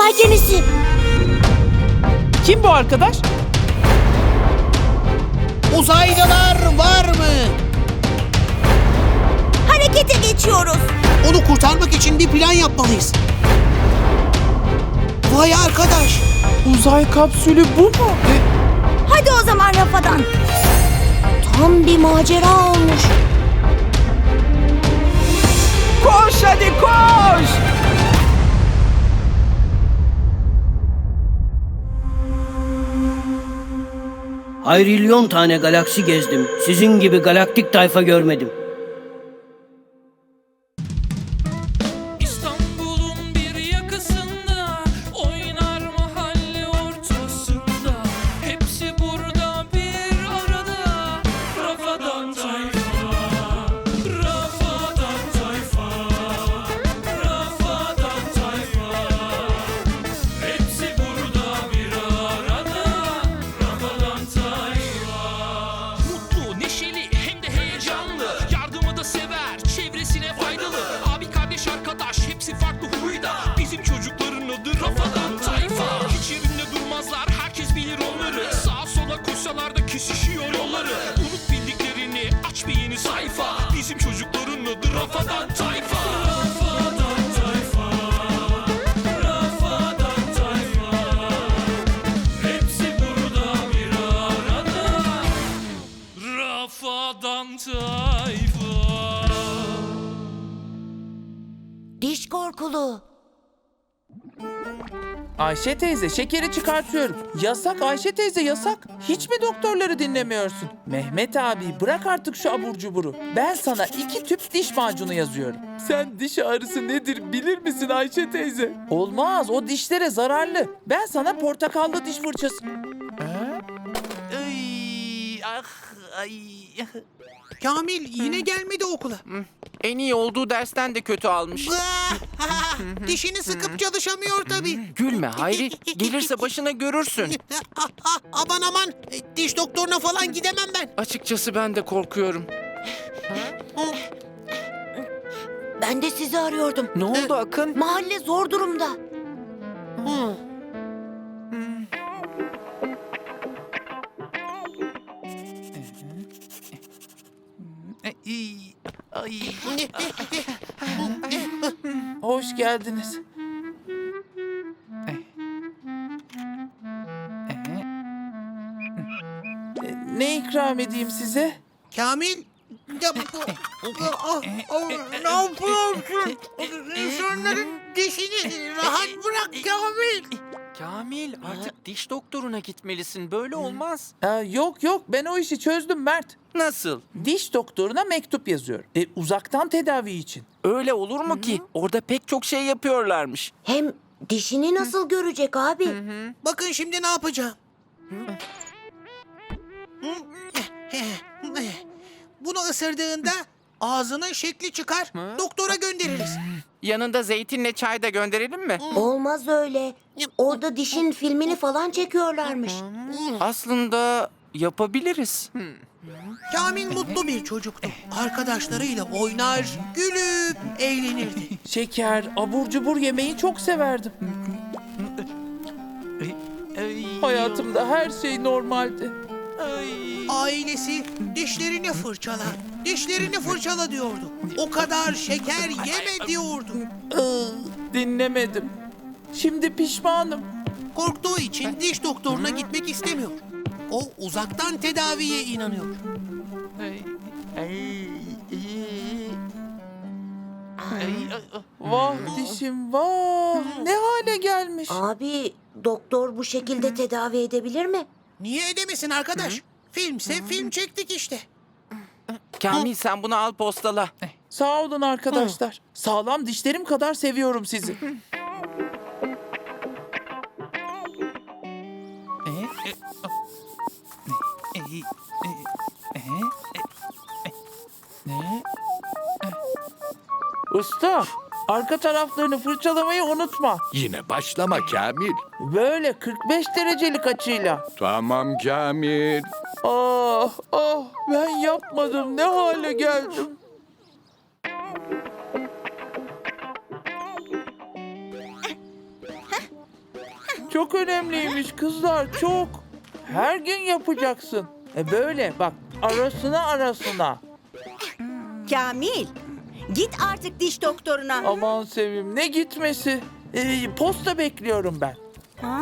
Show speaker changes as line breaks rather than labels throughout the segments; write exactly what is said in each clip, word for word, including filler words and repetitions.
Uzay gemisi.
Kim bu arkadaş?
Uzaylılar var mı?
Harekete geçiyoruz.
Onu kurtarmak için bir plan yapmalıyız. Vay arkadaş.
Uzay kapsülü bu mu?
Hadi o zaman Rafa'dan. Tam bir macera olmuş.
Koş hadi koş!
Hayrilyon tane galaksi gezdim. Sizin gibi galaktik tayfa görmedim.
İstanbul'un bir yakasında oynar mahalle ortasında. Hepsi burada bir arada. Rafadan Tayfa, Rafadan Tayfa, Rafadan Tayfa. Hepsi burada bir arada. Rafadan Tayfa. Mutlu, neşeli hem de heyecanlı. Yardımı da sever, çevresine faydalı. Abi kardeş arkadaş hepsi farklı huyda. Bizim çocukların adı Rafadan Tayfa. Hiç yerinde durmazlar, herkes bilir onları. Sağa sola koşsalar da kesişiyor yolları. Unut bildiklerini, aç bir yeni sayfa. Bizim çocukların adı Rafadan Tayfa. Rafadan Tayfa, Rafadan Tayfa. Hepsi burada bir arada. Rafadan Tayfa.
Diş korkulu.
Ayşe teyze şekeri çıkartıyorum. Yasak Ayşe teyze yasak. Hiç mi doktorları dinlemiyorsun? Mehmet abi bırak artık şu abur cuburu. Ben sana iki tüp diş macunu yazıyorum. Sen diş ağrısı nedir bilir misin Ayşe teyze? Olmaz o dişlere zararlı. Ben sana portakallı diş fırçası...
Ay, ah, ay.
Kamil yine gelmedi okula.
En iyi olduğu dersten de kötü almış.
Ah, Dişini sıkıp çalışamıyor tabii.
Gülme Hayri, gelirse başına görürsün.
Aman aman, e, diş doktoruna falan gidemem ben.
Açıkçası ben de korkuyorum.
Ben de sizi arıyordum.
Ne oldu Akın?
Mahalle zor durumda.
Ay, ay.
Hoş geldiniz. Ne ikram edeyim size?
Kamil, ya, Ah, ah, ne yapıyorsun? İnsanların dişini rahat bırak Kamil.
Kamil, artık diş doktoruna gitmelisin. Böyle olmaz.
Aa, yok yok ben o işi çözdüm Mert.
Nasıl?
Diş doktoruna mektup yazıyorum. E, uzaktan tedavi için.
Öyle olur mu ki? Orada pek çok şey yapıyorlarmış.
Hem dişini nasıl görecek abi?
Bakın şimdi ne yapacağım. Bunu ısırdığında ağzının şekli çıkar, doktora göndeririz.
Yanında zeytinle çay da gönderelim mi?
Olmaz öyle. Orada dişin filmini falan çekiyorlarmış.
Aslında yapabiliriz.
Kamil mutlu bir çocuktu. Arkadaşlarıyla oynar, gülüp eğlenirdi.
Şeker, abur cubur yemeyi çok severdim. Hayatımda her şey normaldi.
Ailesi dişlerini fırçala, dişlerini fırçala diyordu. O kadar şeker yeme diyordu.
Iı, dinlemedim. Şimdi pişmanım.
Korktuğu için diş doktoruna gitmek istemiyor. O uzaktan tedaviye inanıyor.
Vah dişim vah. Ne hale gelmiş.
Abi doktor bu şekilde tedavi edebilir mi?
Niye edemesin arkadaş? Filmse film çektik işte.
Kamil sen bunu al postala.
Sağ olun arkadaşlar. Sağlam dişlerim kadar seviyorum sizi. Usta, arka taraflarını fırçalamayı unutma.
Yine başlama Kamil.
Böyle kırk beş derecelik açıyla.
Tamam Kamil.
Ah, ah, ben yapmadım. Ne hale geldim. çok önemliymiş kızlar, çok. Her gün yapacaksın. E böyle bak, arasına arasına.
Kamil, git artık diş doktoruna.
Aman Sevim, ne gitmesi? E, posta bekliyorum ben.
Ha?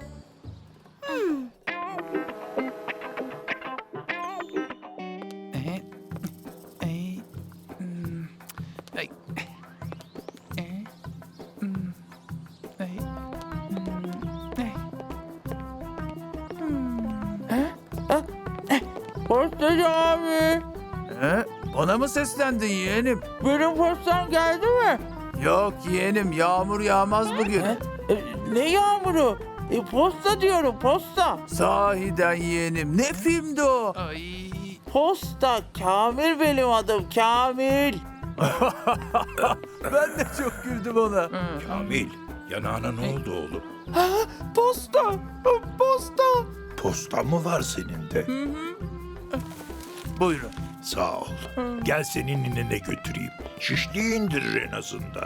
Postacı abi,
He? Bana mı seslendin yeğenim?
benim postam geldi mi?
Yok yeğenim, yağmur yağmaz bugün.
E, ne yağmuru? E, posta diyorum, posta.
Sahiden yeğenim, ne filmdi o?
Posta, Kamil benim adım, Kamil.
Ben de çok güldüm ona.
Kamil, yanağına ne oldu oğlum?
Posta, posta.
Postan mı var senin de?
Buyurun.
Sağ ol. Gel seni ninene götüreyim. Şişliği indirir en azından.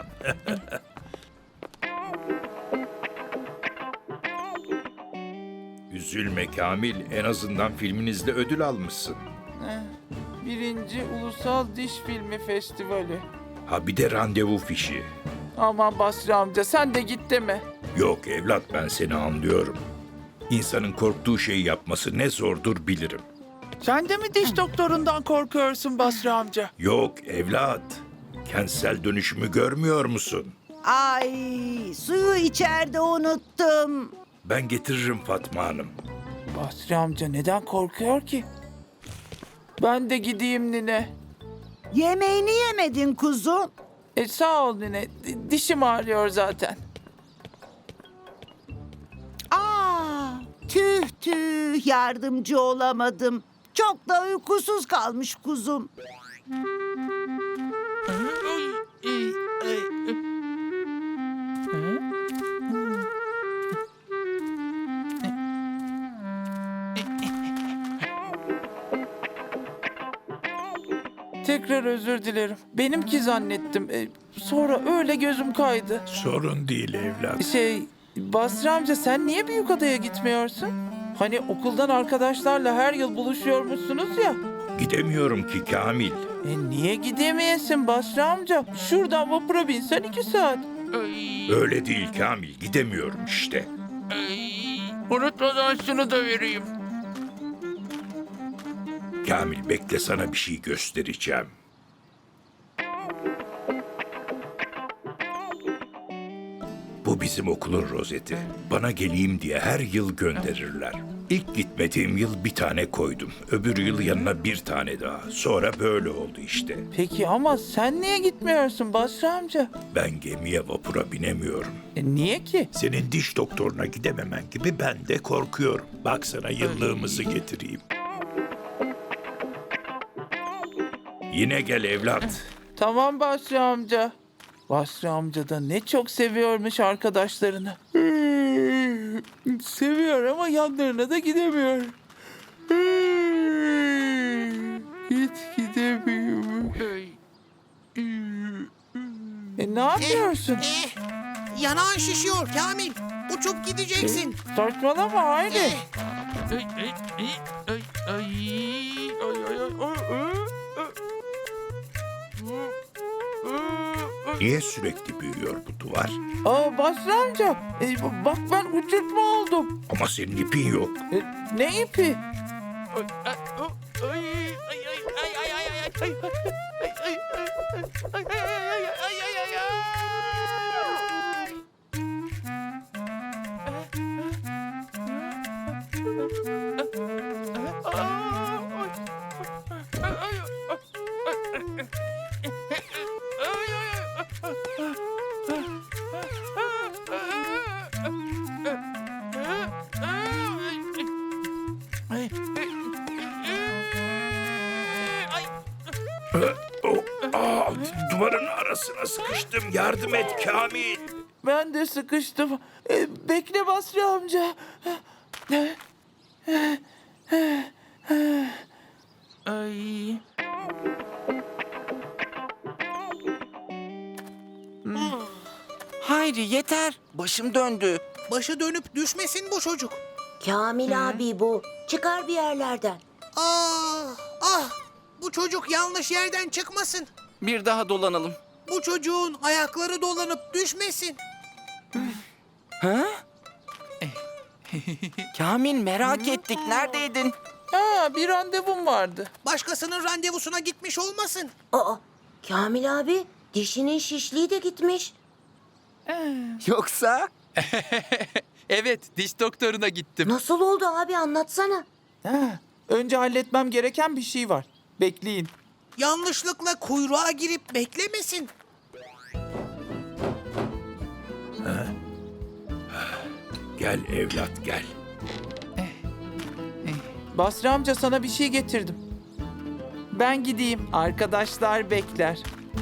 Üzülme Kamil, en azından filminizde ödül almışsın.
Birinci Ulusal Diş Filmi Festivali.
Ha bir de randevu fişi.
Aman Basri amca, sen de git deme.
Yok evlat, ben seni anlıyorum. İnsanın korktuğu şeyi yapması ne zordur bilirim.
Sen de mi diş doktorundan korkuyorsun Basri amca?
Yok evlat, kentsel dönüşümü görmüyor musun?
Ay, suyu içeride unuttum.
Ben getiririm Fatma Hanım.
Basri amca neden korkuyor ki? Ben de gideyim nine.
Yemeğini yemedin kuzum.
E sağ ol nine, di- dişim ağrıyor zaten.
Aa, tüh tüh yardımcı olamadım. Çok da uykusuz kalmış kuzum.
Tekrar özür dilerim. Benimki zannettim. E, sonra öyle gözüm kaydı.
Sorun değil evlat.
Şey, Basri amca sen niye Büyükada'ya gitmiyorsun? Hani okuldan arkadaşlarla her yıl buluşuyormuşsunuz ya.
Gidemiyorum ki Kamil.
E niye gidemeyesin Basri amca? Şuradan vapura binsen iki saat.
Öyle değil Kamil, gidemiyorum işte.
Unutmadan şunu da vereyim.
Kamil bekle, sana bir şey göstereceğim. Bu bizim okulun rozeti. Bana geleyim diye her yıl gönderirler. İlk gitmediğim yıl bir tane koydum. Öbür yıl yanına bir tane daha. Sonra böyle oldu işte.
Peki ama sen niye gitmiyorsun Basri amca?
Ben gemiye vapura binemiyorum.
E niye ki?
Senin diş doktoruna gidememen gibi ben de korkuyorum. Bak sana yıllığımızı getireyim. Yine gel evlat.
Tamam Basri amca. Basri amca da ne çok seviyormuş arkadaşlarını. Seviyor ama yanlarına da gidemiyor. Hiç gidemiyor. E ne yapıyorsun?
Eh, yanağın şişiyor Kamil. Uçup gideceksin.
Saçmalama haydi.
Niye sürekli büyüyor bu duvar?
Aa Basri amca, e, bak ben uçurtma oldum.
Ama senin ipin yok.
E, ne ipi?
Oh, aa, duvarın arasına sıkıştım. Yardım et Kamil.
Ben de sıkıştım. E, bekle Basri amca. Ay.
Hayri yeter. Başım döndü.
Başı dönüp düşmesin bu çocuk.
Kamil abi bu. Çıkar bir yerlerden.
Ah, ah! Bu çocuk yanlış yerden çıkmasın.
Bir daha dolanalım.
Bu çocuğun ayakları dolanıp düşmesin.
Kamil merak ettik. Neredeydin?
Ha, bir randevum vardı.
Başkasının randevusuna gitmiş olmasın.
Aa, Kamil abi dişinin şişliği de gitmiş.
Yoksa?
Evet, diş doktoruna gittim.
Nasıl oldu abi anlatsana.
Ha, önce halletmem gereken bir şey var. Bekleyin.
Yanlışlıkla kuyruğa girip beklemesin.
Gel evlat gel.
Basri amca sana bir şey getirdim. Ben gideyim. Arkadaşlar bekler.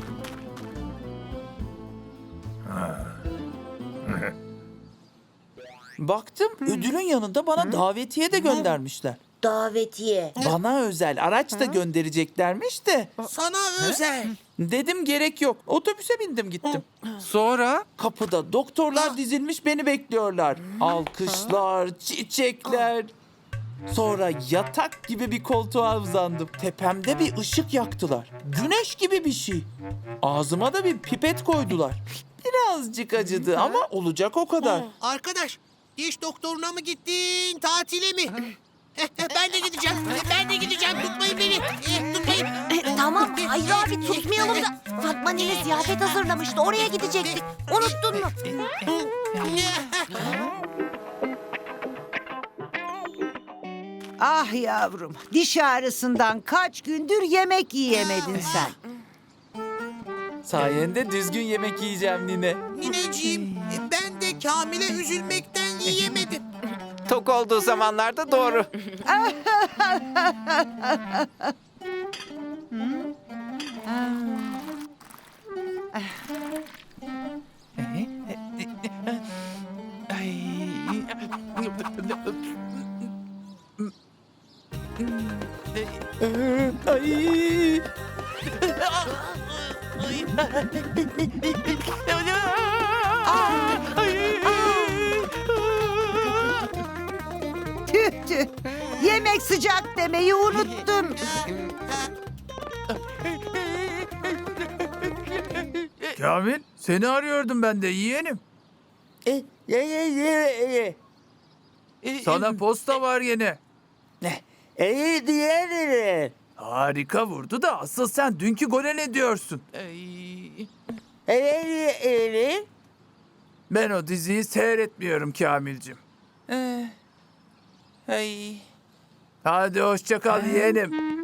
Baktım ödülün yanında bana davetiye de göndermişler.
Davetiye.
Bana özel araç da göndereceklermiş de.
Sana özel.
Dedim gerek yok. Otobüse bindim gittim.
Sonra?
Kapıda doktorlar dizilmiş beni bekliyorlar. Alkışlar, çiçekler. Sonra yatak gibi bir koltuğa uzandım. Tepemde bir ışık yaktılar. Güneş gibi bir şey. Ağzıma da bir pipet koydular. Birazcık acıdı ama olacak o kadar.
Arkadaş, diş doktoruna mı gittin, tatile mi? Ben de gideceğim. Ben de gideceğim. Tutmayın beni. Eh, Tutmayın.
E, tamam hayır abi tutmayalım da. Fatma Nene ziyafet hazırlamıştı. Oraya gidecektik. Unuttun mu?
Ah yavrum, diş ağrısından kaç gündür yemek yiyemedin sen.
Sayende düzgün yemek yiyeceğim nine.
Nineciğim, ben de Kamil'e üzülmekten yiyemedim.
Tok olduğu zamanlarda doğru.
Ay.
Tüh tüh, yemek sıcak demeyi unuttun.
Kamil seni arıyordum ben de yeğenim. Sana posta var yine.
İyi diğerleri.
Harika vurdu da asıl sen dünkü gole ne diyorsun? Ben o diziyi seyretmiyorum Kamilcim.
Ay.
Hadi hoşça kal yeğenim.